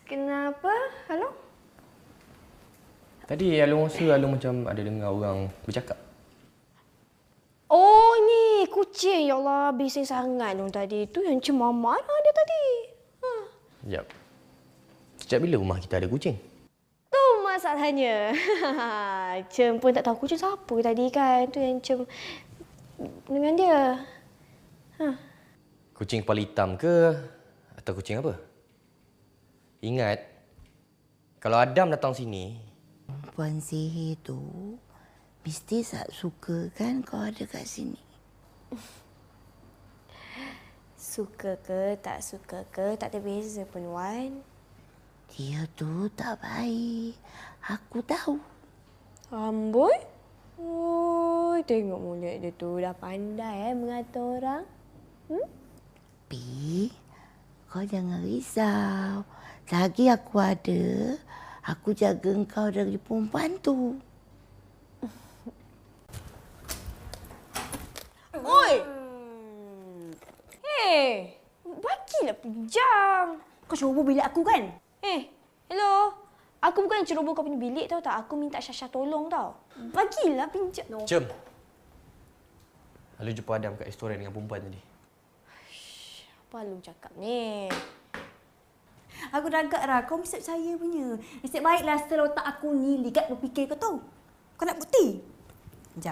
Kenapa? Halo? Tadi Alung rasa Alung macam ada dengar orang bercakap. Oh, ni kucing. Ya Allah, bising sangat Long tadi. Tu yang cuma marah dia tadi. Sekejap. Sejak bila rumah kita ada kucing? Tu masalahnya. Cem pun tak tahu kucing siapa tadi kan. Tu yang Cem dengan dia. Kucing kepala hitam ke? Atau kucing apa? Ingat, kalau Adam datang sini... Puan Sihir tu mesti tak suka kan kau ada kat sini. Suka ke tak ada beza pun, Wan. Dia tu tak baik. Aku tahu. Amboi? Oh, tengok mulut dia tu. Dah pandai mengatur orang. Pi, kau jangan risau. Lagi aku ada, aku jaga kau dari perempuan tu. Oi! Hei! Bagilah pinjam. Kau ceroboh bilik aku kan? Hello? Aku bukan yang ceroboh kau punya bilik tau tak? Aku minta Syasha tolong tau. Bagilah pinjam. No. Cem! Lalu jumpa Adam kat restoran dengan perempuan tadi. Apa lu cakap ni? Aku dah agak Ra, kau mesti percaya punya. Nasib baiklah setelah otak aku ni ligat berfikir kau tahu. Kau nak bukti? Sekejap.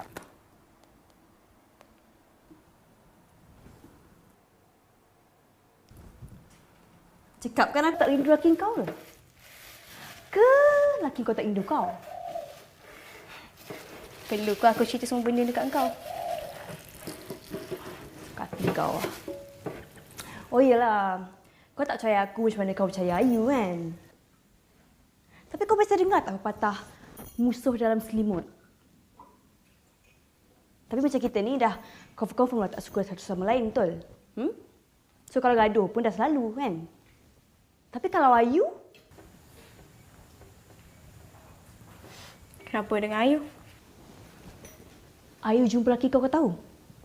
Cakap kan aku tak rindu laki kau ke? Ke laki kau tak rindu kau? Perlu ke aku cerita semua benda dekat kau? Kaki kau. Oh iyalah. Kau tak percaya aku macam mana kau percaya Ayu kan? Tapi kau pasti dengar tak pepatah musuh dalam selimut? Tapi macam kita ni dah confirm lah tak suka satu sama lain, betul? So kalau gaduh pun dah selalu kan? Tapi kalau Ayu? Kenapa dengan Ayu? Ayu jumpa lelaki kau tahu?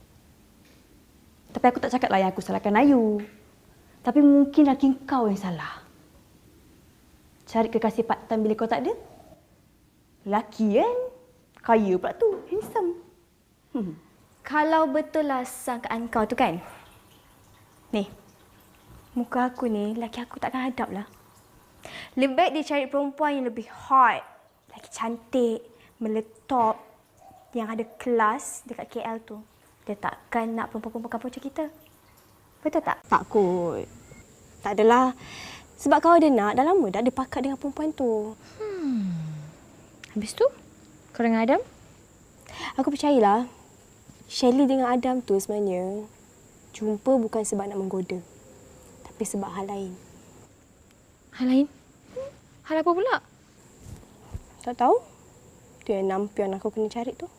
Tapi aku tak cakap lah yang aku salahkan Ayu. Tapi mungkin lelaki kau yang salah. Cari kekasih part-time bila kau tak ada. Lelaki kan? Kaya pula tu. Handsome. Kalau betul lah sangkaan kau tu kan? Ni, muka aku ni, laki aku takkan hadap lah. Lebih baik dia cari perempuan yang lebih hot, lagi cantik, meletop, yang ada kelas dekat KL tu. Dia takkan nak perempuan-perempuan kampung macam kita. Betul tak? Tak kot. Tak adalah. Sebab kau ada nak, dah lama dah ada pakat dengan perempuan tu. Habis tu, kau dengan Adam? Aku percayalah, Shelly dengan Adam tu sebenarnya jumpa bukan sebab nak menggoda. Tapi sebab hal lain. Hal lain? Hal apa pula? Tak tahu? Itu yang nampion aku kena cari tu.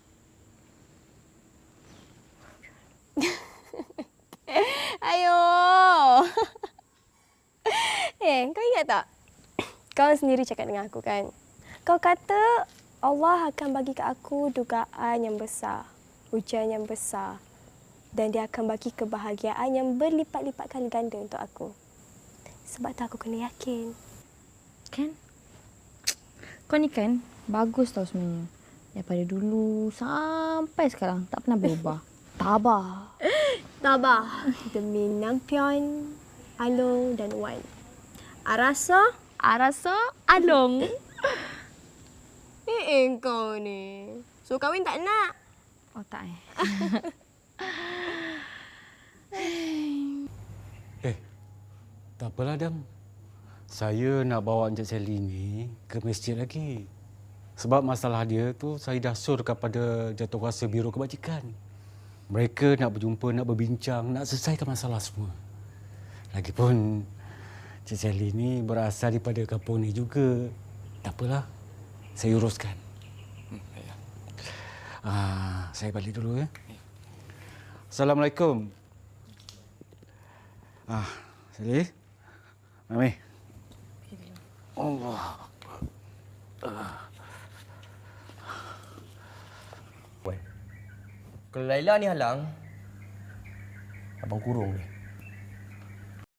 Ayo. Kau ingat tak? Kau sendiri cakap dengan aku kan? Kau kata Allah akan bagi ke aku dugaan yang besar, ujian yang besar, dan dia akan bagi kebahagiaan yang berlipat-lipat kali ganda untuk aku. Sebab tu aku kena yakin. Kan? Kau ni kan bagus tau sebenarnya. Daripada dulu sampai sekarang tak pernah berubah. Tabah. Tabah demi Nampion, Along dan Wan. Arasa Along. Kau ni. So kahwin tak nak? Oh tak Tak apalah, Adam. Saya nak bawa Encik Sally ni ke masjid lagi. Sebab masalah dia tu saya dah sur kepada Jawatankuasa Biro Kebajikan. Mereka nak berjumpa, nak berbincang, nak selesaikan masalah semua. Lagipun Encik Sally ni berasal daripada kampung ni juga. Tak apalah, saya uruskan. Saya balik dulu ya. Assalamualaikum. Sally. Mami. Allah. Kalau Laila ni halang, abang kurung dia.